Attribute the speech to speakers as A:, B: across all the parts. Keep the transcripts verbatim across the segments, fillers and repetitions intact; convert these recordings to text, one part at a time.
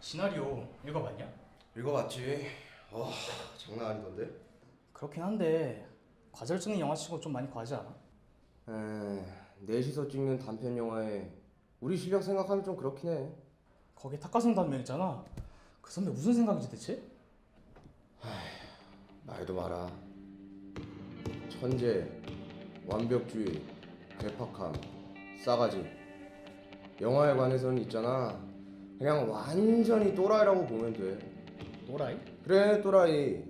A: 시나리오 읽어봤냐?
B: 읽어봤지. 와, 장난 아니던데?
A: 그렇긴 한데 과제를 찍는 영화치고 좀 많이 과하지 않아?
B: 에, 넷이서 찍는 단편 영화에 우리 실력 생각하면 좀 그렇긴 해.
A: 거기에 탁가성 단면 있잖아. 그 선배 무슨 생각이지 대체?
B: 말도 마라. 천재, 완벽주의, 괴팍함, 싸가지. 영화에 관해서는 있잖아. 그냥 완전히 또라이라고 보면 돼.
A: 또라이?
B: 그래, 또라이.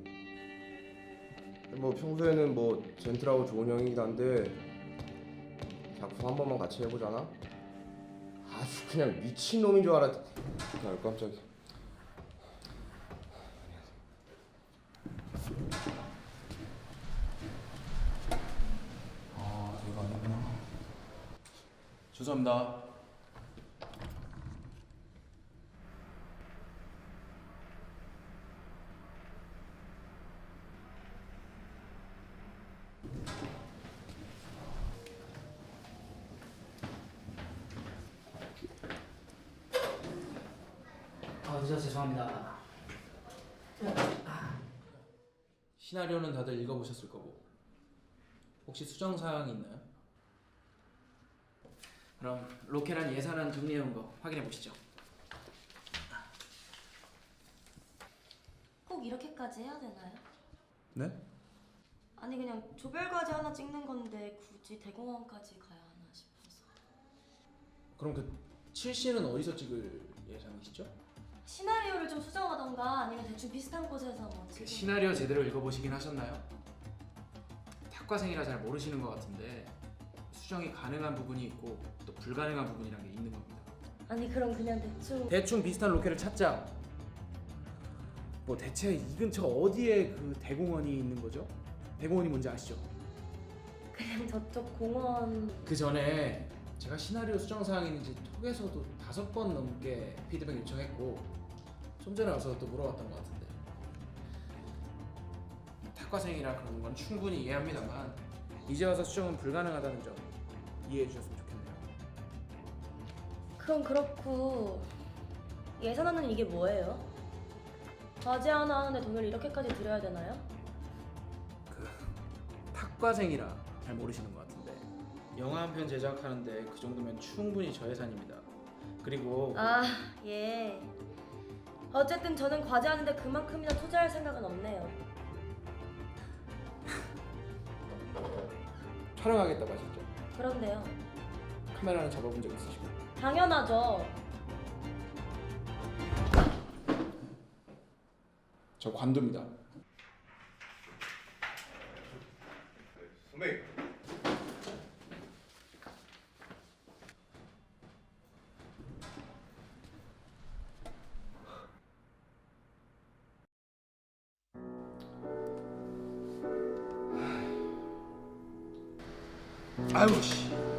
B: 뭐 평소에는 뭐 젠틀하고 좋은 형이긴 한데 작품 한 번만 같이 해보잖아. 아주 그냥 미친 놈인 줄 알았. 아, 깜짝이야.
A: 아 이거 아니구나.
C: 죄송합니다.
A: 아 진짜 죄송합니다.
C: 시나리오는 다들 읽어보셨을 거고 혹시 수정 사항이 있나요?
D: 그럼 로케랑 예산안 정리해온 거 확인해 보시죠.
E: 꼭 이렇게까지 해야 되나요?
C: 네?
E: 아니 그냥 조별과제 하나 찍는 건데 굳이 대공원까지 가야 하나 싶어서.
C: 그럼 그 칠 씬은 어디서 찍을 예정이시죠?
E: 시나리오를 좀 수정하던가 아니면 대충 비슷한 곳에서 뭐
D: 그
E: 찍은.
D: 시나리오 제대로 읽어보시긴 하셨나요? 탁과생이라 잘 모르시는 것 같은데 수정이 가능한 부분이 있고 또 불가능한 부분이란 게 있는 겁니다.
E: 아니 그럼 그냥 대충.
D: 대충 비슷한 로케를 찾자. 뭐 대체 이 근처 어디에 그 대공원이 있는 거죠? 대공원이 뭔지 아시죠?
E: 그냥 저쪽 공원.
D: 그 전에 제가 시나리오 수정 사항이 있는지 톡에서도 다섯 번 넘게 피드백 요청했고 좀 전에 와서 또 물어봤던 것 같은데 탁과생이라 그런 건 충분히 이해합니다만 이제 와서 수정은 불가능하다는 점 이해해 주셨으면 좋겠네요.
E: 그럼 그렇고 예산안은 이게 뭐예요? 과제 하나 하는데 돈을 이렇게까지 들여야 되나요?
D: 그 탁과생이라 잘 모르시는 것 같은데 영화 한 편 제작하는데 그 정도면 충분히 저예산입니다. 그리고
E: 아 예. 어쨌든 저는 과제 하는데 그만큼이나 투자할 생각은 없네요.
D: 촬영하겠다고 하셨죠?
E: 그런데요.
D: 카메라는 잡아본 적 있으시고
E: 당연하죠.
C: 저 관두입니다.
B: 선배.
C: 아유 씨.